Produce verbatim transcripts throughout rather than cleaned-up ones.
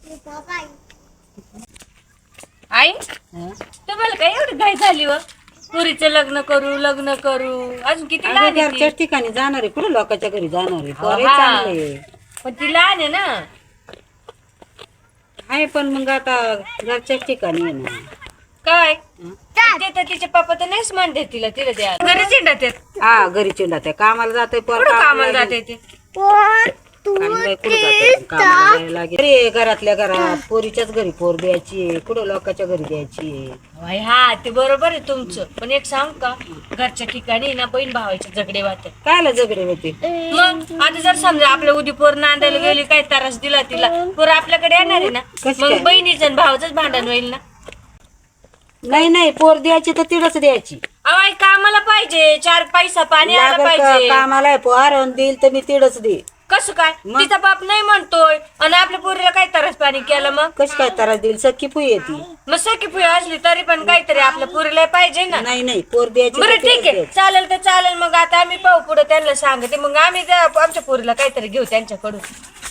आई तुम्हाला काय एवढी घाई झाली व पुरीचं लग्न करू लग्न करू अजून किती लहान आहे ती? घरच्याच ठिकाणी जाणार आहे, कुठे लोकांच्या घरी जाणार आहे? पोरं हा. चांगले आहे. पण ती लहान आहे ना. आहे पण मग आता घरच्याच ठिकाणी आहे ना. काय ते तर तिचे पप्पा तर नाहीच म्हणते तिला तिला द्या घरी चिंडत आहेत. हा घरी चिंडात आहे, कामाला जाते पोर कुठं कामाला जाते ते अरे घरातल्या घरात पोरीच्याच घरी पोर द्यायची, कुठं लोकांच्या घरी द्यायची. बाई, हा ते बरोबर आहे तुमचं, पण एक सांग का घरच्या ठिकाणी ना बहीण भावाचे झगडे वाटत. कायला झगडे होते? मग आता जर समजा आपल्या उदी पोर नांदायला गेली काय त्रास दिला तिला पोर आपल्याकडे येणार आहे ना, कसं मग काय? बहिणीचं आणि भावाचंच भांडण होईल ना. नाही नाही, पोर द्यायची तर तिडच द्यायची. अहो आई कामाला पाहिजे, चार पैसा पाणी आला लागल का पाहिजे. कामाला पोर देईल तर मी तिडच दे. कसं काय मग? तिचा बाप नाही म्हणतोय आणि आपल्या पोरीला काय त्रास पाणी केलं मग कशी काय तारा देईल? सख्खी पुई येते. मग सखी पुढे असली तरी पण काहीतरी आपल्या पोरीला पाहिजे ना. नाही नाही, पोर द्यायची बरं तर ठीक तिडच आहे द्यायची. चालेल तर चालेल, मग आता आम्ही पाहू पुढे त्यांना सांगते, मग आम्ही त्या आमच्या पोरीला काहीतरी घेऊ त्यांच्याकडून.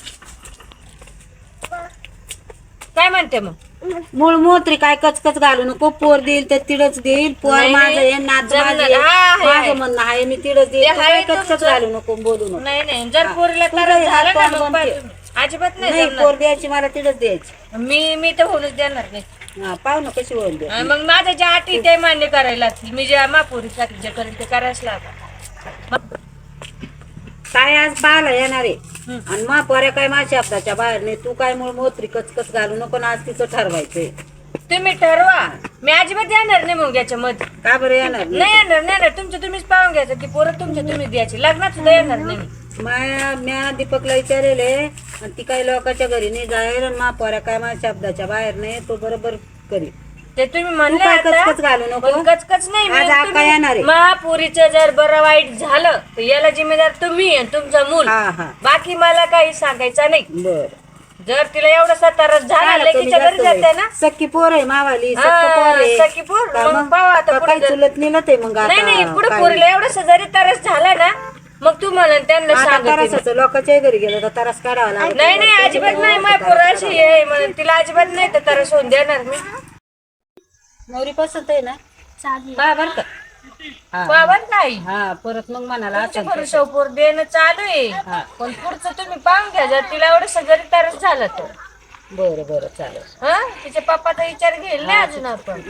काय म्हणते मग? मूळ मोत्री काय कचकच घालू नको, पोर देईल तर तिडच देईल. पोर नाही, माझं नाही. आहे, नात जमलं. माझी आहे. हा, आहे, आहे. माझं म्हणणं आहे मी तिडच देईल. ते तू आहे काय कचकच तुमचं. घालू नको, बोलू नको. नाही नाही, जर पोरीला तुझं त्रास हे झाला ना हात मग तोंड पाहिजे. बनते. अजिबात नाही नाही जमणार. पोर द्यायची मला तिडच द्यायची. मी मी तर होऊनच देणार नाही. हा पाहू ना कशी होईल द्या. आणि मग माझ्या ज्या अटी ते मान्य करायला लागतील. मी ज्या मापोरीसाठी जे करेल ते करायच लागत. काय आज पाहायला येणार आहे आणि मा पोऱ्या काय माझ्या शब्दाच्या बाहेर नाही. तू काय मूळ मोत्री कचकच घालू नको, आज तिचं ठरवायचंय. तुम्ही ठरवा, मी अजिबात येणार नाही मग याच्यामध्ये. का बरं येणार नाही? नाही येणार नाही येणार, तुमचं तुम्हीच पाहून घ्यायचं की पोरं तुमच्या तुम्हीच द्यायची. लग्नात सुद्धा येणार नाही मी. माया म्या दीपकला विचारेले आणि ती काही लोकांच्या घरी नाही जाईल आणि मा पोऱ्या काय माझ्या शब्दाच्या बाहेर नाही. तो बरोबर करी. ते तुम्ही तू म्हणले काय आता, कचकच घालू नको. पण कचकच नाही. आज आका येणार आहे. महापुरीचं जर बरं वाईट झालं तर याला जिम्मेदार तुम्ही आणि तुमचं मूल. हा हा बाकी मला काही सांगायचं नाही. बर. जर तिला एवढा त्रास झाला लेकीच्या घरी जाते ना. सख्खी पोर आहे मावाली, हा, सख्खं पोर आहे. सख्खी पोर. का मग मग? पाहू आता का पुढे काही जर- चुलत नेलं ते मग आता नाही नाही, पुढे काय? पोरीला एवढा जरी त्रास झाला ना मग तू म्हणा त्यांना आता सांगते. तरासाचं लोकांच्या घरी गेलं तर तरास काढावा लागेल. नाही नाही अजिबात नाही, माझ्या पोराशी आहे म्हणून तिला अजिबात नाही तर त्रास होऊन देणार मी. नवरी पसंत आहे ना? पहा बर का. हा. बाबा नाही हा परत मग म्हणाला तुमच्या असं भरोशावर पोर देणं चालू आहे, पण पुढचं तुम्ही पाहून घ्या. जर तिला एवढं जरी त्रास झाला तर बरं बरं चालेल. हा तिच्या पप्पाचा विचार घेईल ना अजून आपण.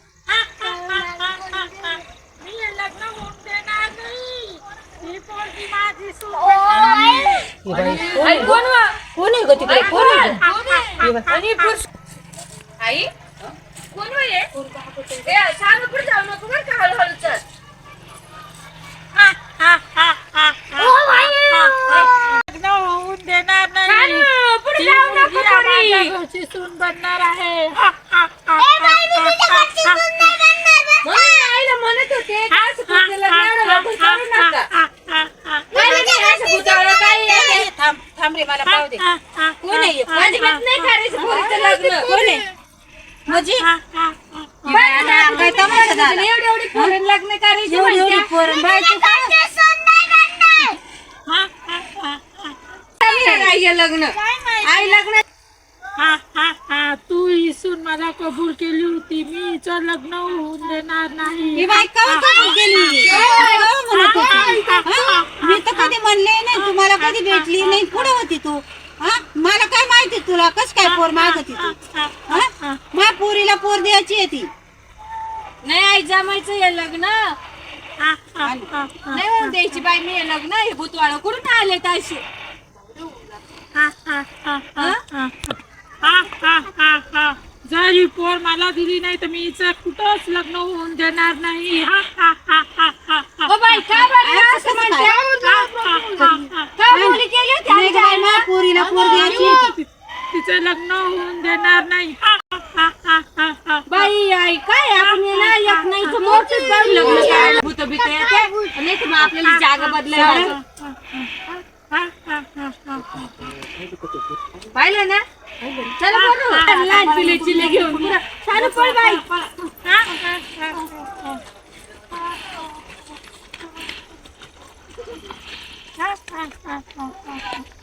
ही बाई कोण आई आहे कोण गं? वा? कोण आहे ग तिकडे? आई कोण आहे कोण? गं? ही बाई. आणि पुरुष आई कोण वा हे? ए, सारं पुढे जाऊ नको बरं का, हळूहळू चल. सारं पुढे जाऊ नको पोरी. सून बनणार आहे. म्हणून आईला म्हणत होते का असं पुढचं लग्न एवढं लवकर करू नका. काय नाही असं पुतळं काही येते. थांब थांब रे मला पाहू दे. कोण आहे हे? अजिबात नाही करायचं पोरीचं लग्न. कोण आहे? म्हणजे बरं ना, काय तमाशा झाला? एवढी एवढी पोरं लग्न करायची एवढी एवढी म्हणत्या. पोरं बाई तू काय? चांगलं नाही हे लग्न. आई लग्न हा हा हा तू ही सून मला कबूल केली होती, मी हिचं लग्न होऊन देणार नाही. ही बाई कवा कबूल केली? कवा म्हणत होती? हा? मी तर कधी म्हणले नाही, तुम्हाला कधी भेटली नाही. पुढे होती तू. हा मला काय माहिती तुला कस काय पोर मागती तू? हा मा पोरीला पोर द्यायची आहे ती. नाही आई जमायचं हे लग्न नाही होऊन द्यायची बाई मी हे लग्न. हे भूतवाळ कुठून आले ताशी? जर ही पोर मला दिली नाही तर मी हिचं कुठंच लग्न होऊन देणार नाही. हा, हा, हा, हा, हा, हा. ओ बाई का बरं असं म्हणते? का मुली केली होती नाही आमच्या बाई, मा आईनं? पोरीला पोर द्यायची आहे ती. तिचं लग्न होऊन देणार नाही. हा, हा, हा, हा, हा. बाई आई काय आपण हे ना एक नाही तर मोठंच बाई लग्न करायला भूत बित येते नाही तर मग आपल्याला जागा बदलायला लागेल. पाहिलं ना चला बरं लहान चिले चिले घेऊन पुरा चालू पळ बाई. हा, हा, हा, हा, हा.